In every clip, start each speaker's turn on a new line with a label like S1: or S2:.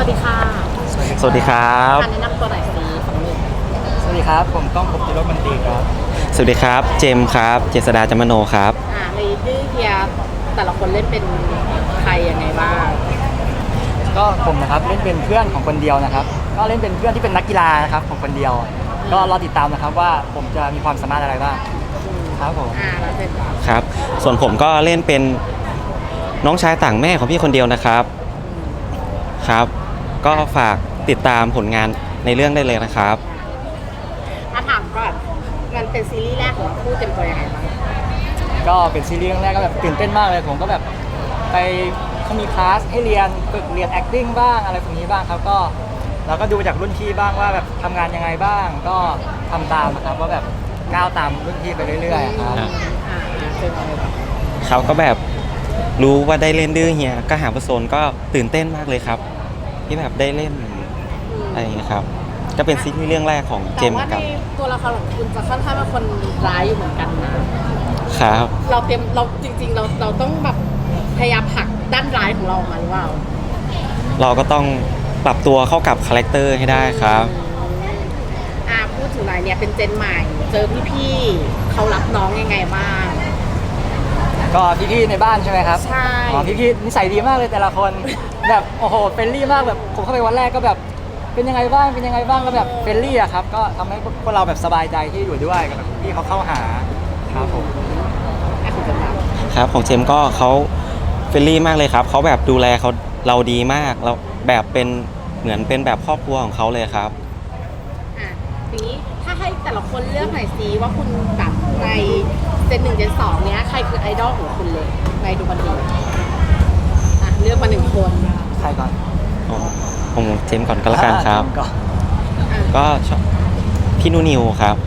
S1: ดีค่ะ
S2: สวัสดีครับ
S1: การแนะนำตัวหน่อยสิของหนึ่ง
S3: สวัสดีครับผมก้องภพจิรมันตรีครับ
S2: สวัสดีครับเจมส์ครับเจษดาจามโนครับ
S1: ในดื้อเฮียแต่ละคนเล่นเป็นใครยังไงบ้าง
S3: ก็ผมนะครับเล่นเป็นเพื่อนของคนเดียวนะครับก็เล่นเป็นเพื่อนที่เป็นนักกีฬานะครับของคนเดียวก็รอติดตามนะครับว่าผมจะมีความสามารถอะไรบ้างครับผม
S1: แล้วเป็น
S2: ครับส่วนผมก็เล่นเป็นน้องชายต่างแม่ของพี่คนเดียวนะครับครับก็ฝากติดตามผลงานในเรื่องได้เลยนะครับ
S1: ถามก่อนมันเป็นซีรีส์แรกของคู่เต็มตัวยังไงบ้าง
S3: ก็เป็นซีรีส์เรื่องแรกก็แบบตื่นเต้นมากเลยผมก็แบบไปเขามีคลาสให้เรียนฝึกเรียน acting บ้างอะไรพวกนี้บ้างครับก็เราก็ดูจากรุ่นพี่บ้างว่าแบบทำงานยังไงบ้างก็ทำตามนะครับว่าแบบก้าวตามรุ่นพี่ไปเรื่อยๆครับ
S1: เป็นอะไรบ้าง
S2: เขาก็แบบรู้ว่าได้เล่นดื้อเฮียก็หาประสนก็ตื่นเต้นมากเลยครับที่แบบได้เล่นอะไรอย่างเงี้ยครับก็เป็นซีรีส์เรื่องแรกของเจมส์
S1: กับตัวละครของคุณจะค่อนข้างเป็นคนร้ายอยู่เหมือนกัน
S2: นะครับ
S1: เราจริงๆเราต้องแบบพยายามผลักด้านร้ายของเราออกมาหรือเปล่า
S2: เราก็ต้องปรับตัวเข้ากับคาแรคเตอร์ให้ได้ครับ
S1: พูดถึงอะไรเนี่ยเป็นเจนใหม่เจอพี่ๆเขารับน้องยังไงบ้าง
S3: ก็พี่ๆในบ้านใช่ไหมครับ
S1: ใช่
S3: พี่ๆนิสัยดีมากเลยแต่ละคนแบบโอ้โหเฟรนลี่มากแบบผมเข้าไปวันแรกก็แบบเป็นยังไงบ้างก็แบบเฟรนลี่อะครับก็ทำให้พวกเราแบบสบายใจที่อยู่ด้วยกับพี่เขาเข้าหาครับผม
S2: ครับของเจมก็เขาเฟรนลี่มากเลยครับเขาแบบดูแลเราดีมากเราแบบเป็นเหมือนเป็นแบบครอบครัวของเขาเลยครับ
S1: ทีนี้ถ้าให้แต่ละคนเลือกหน่อยสิว่าคุณแบบในเจน 1 เจน 2เนี้ยใครคือไอดอลของคุณเลยในดูบันดีเลือกมา1คน
S3: ใครก่อน
S2: ผมเจมก่อนก็แล้วกันครับก็ชอบพี่นูนิวครับ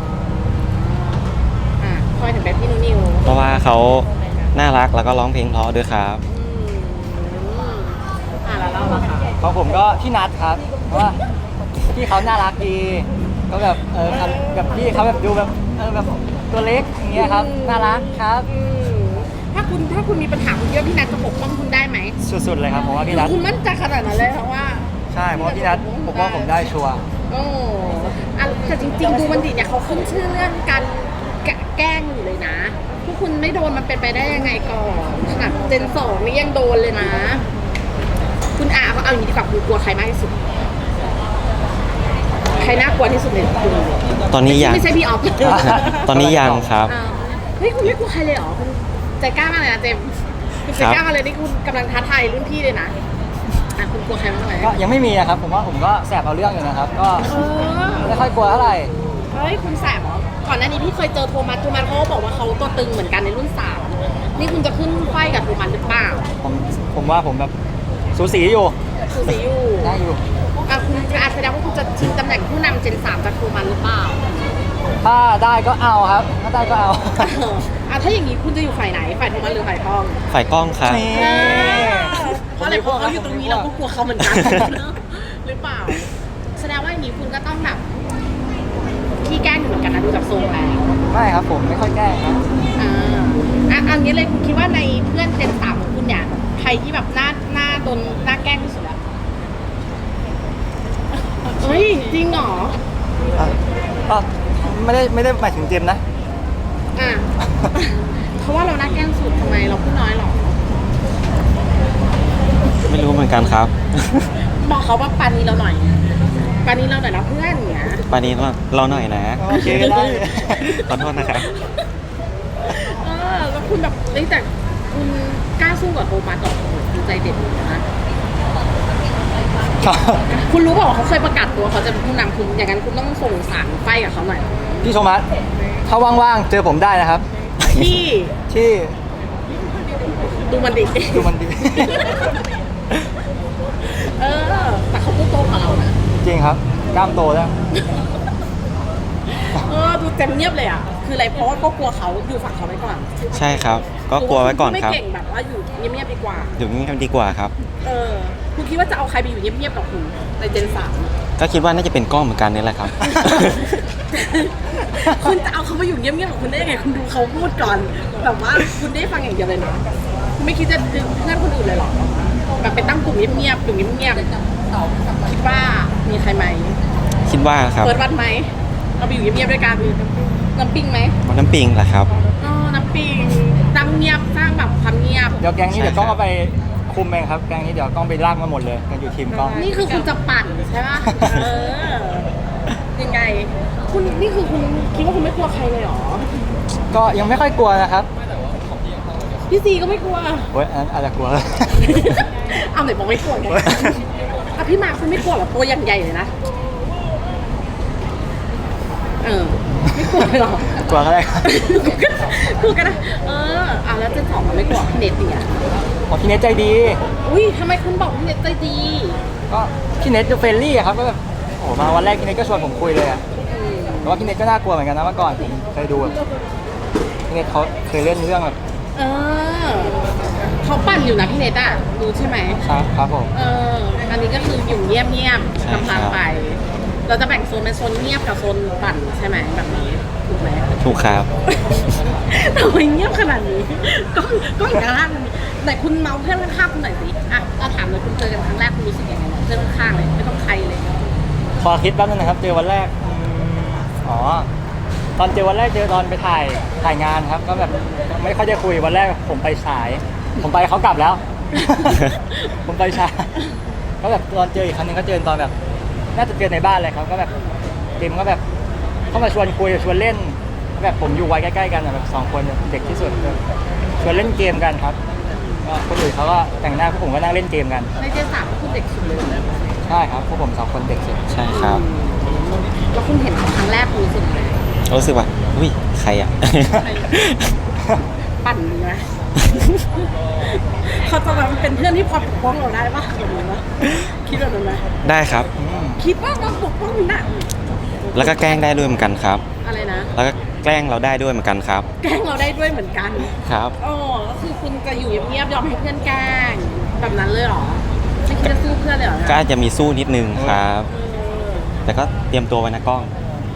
S1: ทำไมถึงเป็นพี่นูนิว
S2: เพราะว่าเขาน่ารักแล้วก็ร้องเพลงเพราะด้วยครับ
S1: แล้วเราล่ะคะ
S3: ของผมก็พี่นัทครับเพราะว่าพี่เขาน่ารักดีก็แบบแบบพี่เขาแบบดูแบบแบบตัวเล็กอย่างเงี้ยครับน่ารักครับ
S1: ถ้าคุณมีปัญหาคุณเยอะพี่นัทจะปกป้องคุณได้ไหม
S3: สุดๆเลยครับผมว่าพี่นัท
S1: คุณมั่นใจขนาดนั้นเลยเพราะว่า
S3: ใช่เพราะพี่นัทผมว่าผมได้ชัวร์
S1: แต่จริงๆดูมันดีเนี่ยเขาขึ้นชื่อเรื่องการแกล้งอยู่เลยนะพวกคุณไม่โดนมันเป็นไปได้ยังไงก่อนขนาดเจน 2นี่ยังโดนเลยนะคุณเขาเอาอย่างนี้ดีกว่าคุณกลัวใครมากที่สุดใครน่ากลัวที่สุดในคุณ
S2: ตอนนี้ยัง
S1: ไม่ใช่พี่ออฟ
S2: ตอนนี้ยังครับ
S1: เฮ้ยคุณไม่กลัวใครเลยเหรอคุณใจกล้ามากเลยนะเจมคุณใจกล้ามาเลยนี่คุณกำลังท้าทายรุ่นพี่เลยนะคุณกลัวใครบ้างไหม
S3: ก็ยังไม่มีนะครับผมว่าผมก็แสบเอาเรื่องอยู่นะครับก็ไม่ค่อยกลัวเท่าไหร่
S1: เฮ้ยคุณแสบเหรอก่อนหน้านี้พี่เคยเจอโทมัสเขาบอกว่าเขาตัวตึงเหมือนกันในรุ่น3นี่คุณจะขึ้นไฟกับโทมัสหรือเปล่า
S3: ผมว่าผมแบบสูสีอยู่ได้อยู่
S1: คุณแสดงว่าคุณจะชิงตำแหน่งผู้นำเจน 3จากโทมัสหรือเปล่า
S3: ถ้าได้ก็เอาครับถ้าได้ก็เอา
S1: ถ้าอย่างนี้คุณจะอยู่ฝ่ายไหนฝ่ายโทมัสหรือฝ่ายกล้อง
S2: ฝ่ายกล้องครับ
S1: เพราะอะไรเพราะเขาอยู่ตรงนี้เราก็กลัวเขาเหมือนกันหรือเปล่าแสดงว่าอย่างนี้คุณก็ต้องแบบขี้แกล้งอยู่เหมือนกันนะดูจากทรงแล้ว
S3: ไม่ครับผมไม่ค่อยแกล้งครับ
S1: อันนี้เลยคุณคิดว่าในเพื่อนเจน 3ของคุณเนี่ยใครที่แบบหน้าโดนหน้าแกล้งที่สุดอะเฮ้ยจริงเหรอ
S3: ไม่ได้หมายถึงเจมนะ
S1: เพราะว่าเราหน้าแกล้งสุดทำไมเราพูดน้อยหรอ
S2: ไม่รู้เหมือนกันครับ
S1: บอกเขาว่าปานีเราหน่อยนะเพื่อนเนี่ย
S2: ปานีเราหน่อยนะ
S3: โอเคได้
S2: ขอโทษนะครับ
S1: แล้วคุณแบบแต่คุณกล้าสู้กับโทมัสต่อคุณใจเด็ดนะคุณรู้บอกว่าเขาเคยประกาศตัวเขาจะเป็นผู้นำคุณอย่างนั้นคุณต้องส่งสารไฟกับเขาหน่อย
S3: พี่โทมัสถ้าว่างๆเจอผมได้นะครับที่
S1: ดูมันดีแต่เขาพูดโตกว่าเรานะ
S3: จริงครับกล้ามโตแล้ว
S1: ดูเต็มเงียบเลยอ่ะคืออะไรเพราะว่าก็กลัวเขาอยู่ฝั่งเขาไว้ก่อน
S2: ใช่ครับก็กลัวไว้ก่อนครับ
S1: ไม่เก่งแบบว่าอยู่เงียบๆดีกว่า
S2: อยู่เงียบดีกว่าครับ
S1: คุณคิดว่าจะเอาใครไปอยู่เงียบๆกับคุณในเจน 3
S2: ก็คิดว่าน่าจะเป็นกล้องเหมือนกันนี่แหละครับ
S1: คุณจะเอาเขามาอยู่เงียบๆกับคุณได้ยังไงคุณดูเขาพูดก่อนแบบว่าคุณได้ฟังอย่างเดียวเลยนะคุณไม่คิดจะดึงเพื่อนคนอื่นเลยหรอแบบไปตั้งกลุ่มเงียบๆอยู่เงียบๆคิดว่ามีใครไหม
S2: คิดว่าครับ
S1: เปิดวัดไหมเราไปอยู่เงียบๆด้วยกันน้ำปิงไหม
S2: น้ำปิงแหละครับ
S1: อ๋อน้ำปิงตั้งเงียบสร้างแบบความเงียบ
S3: เดี๋ยวแก๊งนี้
S2: ใช่
S3: เดี๋ยวกล้อง
S2: ครับ
S3: เอาไปคุมเองครับแก๊งนี้เดี๋ยวกล้องไปลากมาหมดเลยกันอยู่ทีมกล้อง
S1: นี่คือคุณจะปั่นใช่ปะยังไง คุณนี่คือคุณคิดว่าคุณไม่กลัวใครเลยเหรอ
S3: ก็ยังไม่ค่อยกลัวนะครับ
S1: พี่ซีก็ไม่กลัว
S3: เว้ยอันนั้นอาจจะกลัว
S1: เอาไหนบอกไม่กลัวไงอ่ะพี่มาร์คคุณไม่กลัวเหรอตัวอย่างใหญ่เลยนะไม่กลัวเลยเหรอก
S3: ลัวก็ได้ครับ
S1: กลัวกันนะแล้วเจนสองมันไม่กลัวพี่เน็ตเนี่ย
S3: อ๋อพี่เน็ตใจดี
S1: อุ้ยทำไมคุณบอกพี่เน็ตใจดี
S3: ก็พี่เน็ตจะเฟรนลี่อะครับก็แบบโอ้โหมาวันแรกพี่เน็ตก็ชวนผมคุยเลยอะแต่ว่าพี่เน็ตก็น่ากลัวเหมือนกันนะเมื่อก่อนผมเคยดูแบบพี่เน็ตเขาเคยเล่นเรื่องแบบ
S1: เขาปั่นอยู่นะพี่เน็ตอ่ะรู้ใช่ไหม
S3: ครับผม
S1: อันนี้ก็คืออยู่เงียบ
S2: ใช่
S1: ๆ
S2: ครับ
S1: ลำพังไป เราจะแบ่งโซนเป็นโซนเงียบกับโซนปั่นใช่ไหมแบบนี้ถูกไหม
S2: ถูกครับ
S1: ทำไมเงียบขนาดนี้ก็อีกข้างไหนคุณเมาเพื่อนข้างๆคุณหน่อยสิเอาถามเลยคุณเจอกันครั้งแรกคุณรู้สึกยังไงเพื่อนข้างๆเลยไม่ต้องใครเลย
S3: พอคิดแป๊บนึงนะครับเจอวันแรกอ๋อตอนเจอวันแรกเจอตอนไปถ่ายงานครับ ก็แบบไม่ค่อยได้คุยวันแรกผมไปสาย ผมไปเขากลับแล้ว ผมไปช้าก็แบบตอนเจออีกครั้งหนึงก็เจอตอนแบบน่าจะเจอในบ้านเลยครับก็แบบเจมก็แบบเข้ามาชวนคุยชวนเล่นแบบผมอยู่วัยใกล้ๆกันอะแบบ2 คนเด็กที่สุดชวนเล่นเกมกันครับก็คนอื่นเขาก็แต่งหน้าพวกผมก็นั่งเล่นเกมกัน
S1: ในเจนสามคุณเด็กสุดเลย
S3: ใช่ครับพวกผม2 คนเด็กสุด
S2: ใช่ครับ
S1: แล้วคุณเห็นเขาครั้งแรกคุณรู้สึกยังไง
S2: รู้สึกว่าอุ้ยใครอ่ะ
S1: ปั่นดีไหม เขาจะมาเป็นเพื่อนที่พอปกป้องเราได้ปะแบบนี้ปะคิดแบบนั้นไหม
S2: ได้ครับ
S1: คิดว่าเราปกป้องมันได้
S2: แล้วก็แกล้งได้ด้วยเหมือนกันครับ
S1: อะไรนะ
S2: แล้วก็แกล้งเราได้ด้วยเหมือนกันครับ
S1: แกล้งเราได้ด้วยเหมือนกัน
S2: ครับ
S1: ก็คือคุณจะอยู่เงียบๆยอมให้เพื่อนแกล้งแบบนั้นเลยเหรอไม่คิดจะสู้เพื่อนเลยเหรอ
S2: ก็อาจจะมีสู้นิดนึงครับ
S1: เออ
S2: แต่ก็เตรียมตัวไว้นะกล้อง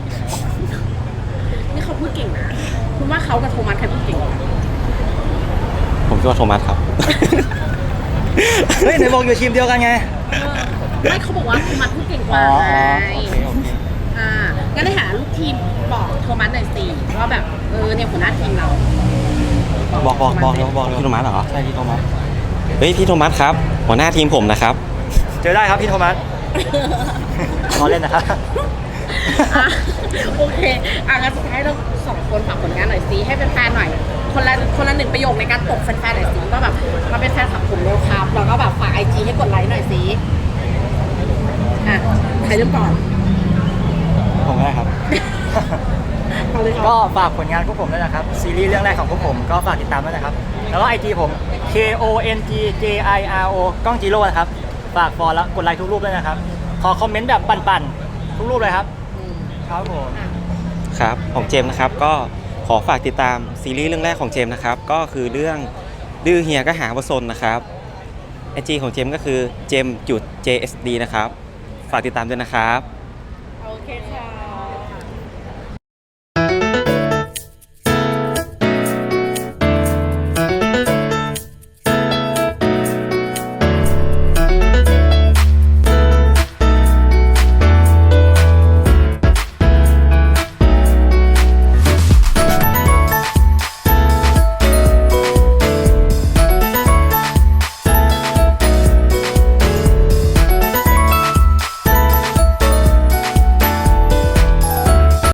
S1: นี่เขาพูดเก่งนะ คุณว่าเขากับโทมัสใครพูดเก่งกว่า
S2: ผมคิดว่าโทมัสครับ
S3: เฮ้ยไหนบอกอยู่ทีมเดียวกันไง
S1: ไม่เขาบอกว่าโทมัสพูดเก่งกว่าไง
S3: โอเค
S1: งั้นในฐานะลูกทีมบอกโทมัสหน่อยสิว่าแบบเนี่ยหัวหน้าทีมเรา
S2: บอก
S1: โทมัสสิ
S2: พี่โทมัสเหรอ
S3: ใช่พี่โทมัส
S2: เฮ้ยพี่โทมัสครับ หัวหน้าทีมผมนะครับ
S3: เจอได้ครับพี่โทมัสรอเล่นนะครับ
S1: อ่ะโอเคงั้นสุดท้ายเรา2 คนฝากผลงานหน่อยสิให้แฟนๆหน่อย คนละ1 ประโยคในการตกแฟนๆหน่อยสิว่าแบบมาเป็นแฟนคลับผมเร็วครับแล้วก็แบบฝาก IG ให้กดไลค์หน่อยสิใครเริ่มก่อน
S3: ผมก็ได้ครับ
S1: เอาเลยค
S3: ก็
S1: รับ
S3: ฝากผลงานพวกผมด้วยนะครับ ซีรีส์เรื่องแรกของพวกผมก็ฝากติดตามด้วยนะครับ แล้วก็ IG ผม KONGJIRO กล้องจีโร่นะครับ ฝากฟอลแล้วกดไลค์ทุกรูปด้วยนะครับ ขอคอมเมนต์แบบปั่นๆ ทุกรูปเลยครับ ครับผม
S2: ครับของเจมส์นะครับก็ขอฝากติดตามซีรีส์เรื่องแรกของเจมส์นะครับ ก็คือเรื่องดื้อเฮียก็หาวสนนะครับไอจีของเจมส์ก็คือเจมส์จุด JSD นะครับ ฝากติดตามด้วยนะครับ
S1: โอเคค่ะ